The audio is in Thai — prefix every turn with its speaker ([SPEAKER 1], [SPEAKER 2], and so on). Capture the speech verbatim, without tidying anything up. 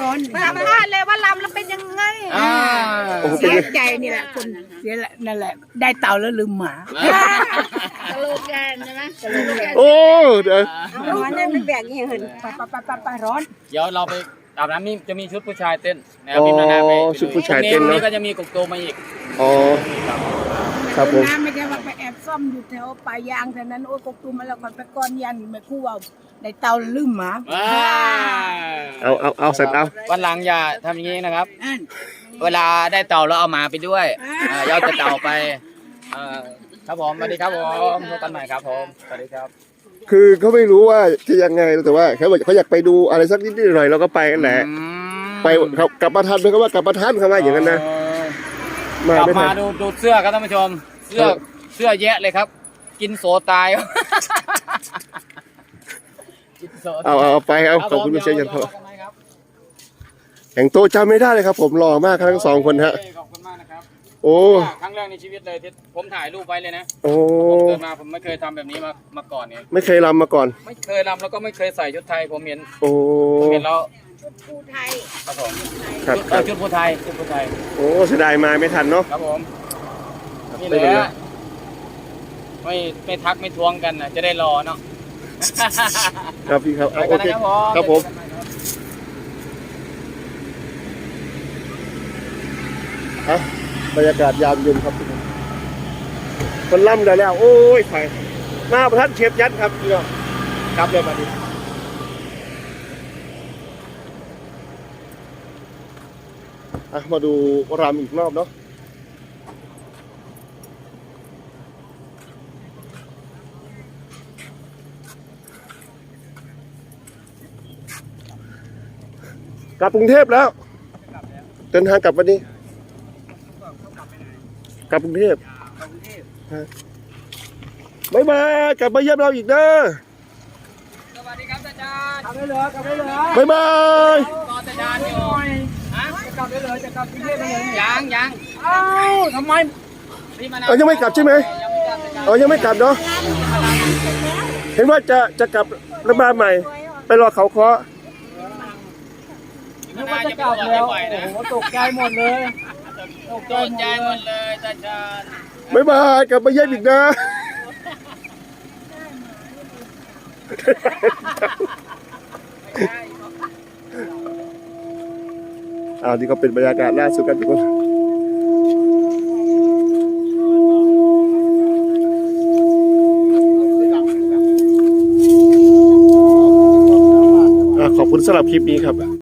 [SPEAKER 1] ร้อนสัมภาษณ์เลยว่าลำแล้วเป็นยังไงเสียใจนี่แหละคนเสียนั่นแหละได้เต่าแล้วลืมหมาสโลแกนใช่ไหมสโลแกน
[SPEAKER 2] โอ้เดี๋ยว
[SPEAKER 1] ร้อนนั่นมันแบบนี้เห็นปะปะปะปะปะร้อน
[SPEAKER 3] เดี๋ยวเราไปอาบน้ำนี่จะมีชุดผู้ชายเต้นนะครับพี่นานาไปชุดผู้ชายเต้นนี่ก็จะมีกบโตมาอีก
[SPEAKER 2] อ๋อครับผม
[SPEAKER 1] น้ำไม่ใช่ว่าไปแอบซ่อมอยู่แถวปลายยางแถวนั้นโอ้ยกบตูมาแล้วก่อนไปก้อนยันไม่คู่ว่าในเตาลืมหมา
[SPEAKER 2] เอาเอาเอาเสร็จเอา
[SPEAKER 3] วันหลังอย่าทำอย่างนี้นะครับเวลาได้เต่าเราเอาหมาไปด้วยยอดจะเต่าไปครับผมสวัสดีครับผมพบกันใหม่ครับผมสวัสดีครับ
[SPEAKER 2] คือเขาไม่รู้ว่าจะยังไงแต่ว่าเขาบอกเขาอยากไปดูอะไรสักนิดหน่อยเราก็ไปกันแหละไปเขากลับมาทันไหมครับว่ากลับมาทันเขาว่าอย่างนั้นนะ
[SPEAKER 3] กลับมาดูดูเสื้อครับท่านผู้ชมเสื้อเสื้อแยะเลยครับกินโสตาย
[SPEAKER 2] เอาเอาไปครับขอบคุณคุณเชียร์ยันพอแข่งโตจำไม่ได้เลยครับผมหล่อมากทั้งสองคนฮะ
[SPEAKER 3] ขอบคุณมากนะครับ
[SPEAKER 2] โอ้
[SPEAKER 3] ครั้งแรกในชีวิตเลยที่ผมถ่ายรูปไว้เลยนะ
[SPEAKER 2] โอ้
[SPEAKER 3] ผมเกิดมาผมไม่เคยทำแบบนี้มามาก่อนเนี่ย
[SPEAKER 2] ไม่เคยรำมาก่อน
[SPEAKER 3] ไม่เคยรำแล้วก็ไม่เคยใส่ชุดไทยผมเห็น
[SPEAKER 2] โอ้
[SPEAKER 3] ผมเห็นแล้ว
[SPEAKER 1] ชุดภูไทย
[SPEAKER 3] ครับผมครับชุดภูไทยชุดภูไทย
[SPEAKER 2] โอ้เสียดายมาไม่ทันเนาะ
[SPEAKER 3] ครับผมนี่แหละไม่ไม่ทักไม่ทวงกันนะจะได้รอเนาะ
[SPEAKER 2] ครับพี่ครับโอเคครับผมฮะบรรยากาศยามเย็นครับคนล่ำได้แล้วโอ้ยไปมาประทัดเชฟยัดครับพี่น้องกลับเลยมาดิอ่ะมาดูรำอีกรอบเนาะกลับกรุงเทพแล้วเดินทางกลับวันนี้กลับกรุงเทพบ๊ายบายกลับมาเยี่ยมเราอีกเด้อ
[SPEAKER 3] สวัสดีครับอาจารย์
[SPEAKER 1] กลับได้เลยกลับได้เลย
[SPEAKER 2] บ๊ายบาย
[SPEAKER 3] รออาจารย์อยู่ฮะ
[SPEAKER 1] จะกลับได้เลยจะกลับกรุงเทพได้เลย
[SPEAKER 3] ยังยัง
[SPEAKER 1] เอ้าทำไม
[SPEAKER 2] เออยังไม่กลับใช่ไหมเออยังไม่กลับเนาะเห็นว่าจะจะกลับระบาดใหม่ไปรอเขาเคาะ
[SPEAKER 3] นึกว่าจะกลับแล้วโอ้
[SPEAKER 1] โหตกใจหมดเลย
[SPEAKER 3] ตกใจหมดเลยอาจารย์
[SPEAKER 2] บ๊ายบายกลับมาเยี่ยมอีกนะอ่านี่ก็เป็นบรรยากาศล่าสุดกันทุกคนขอบคุณสำหรับคลิปนี้ครับ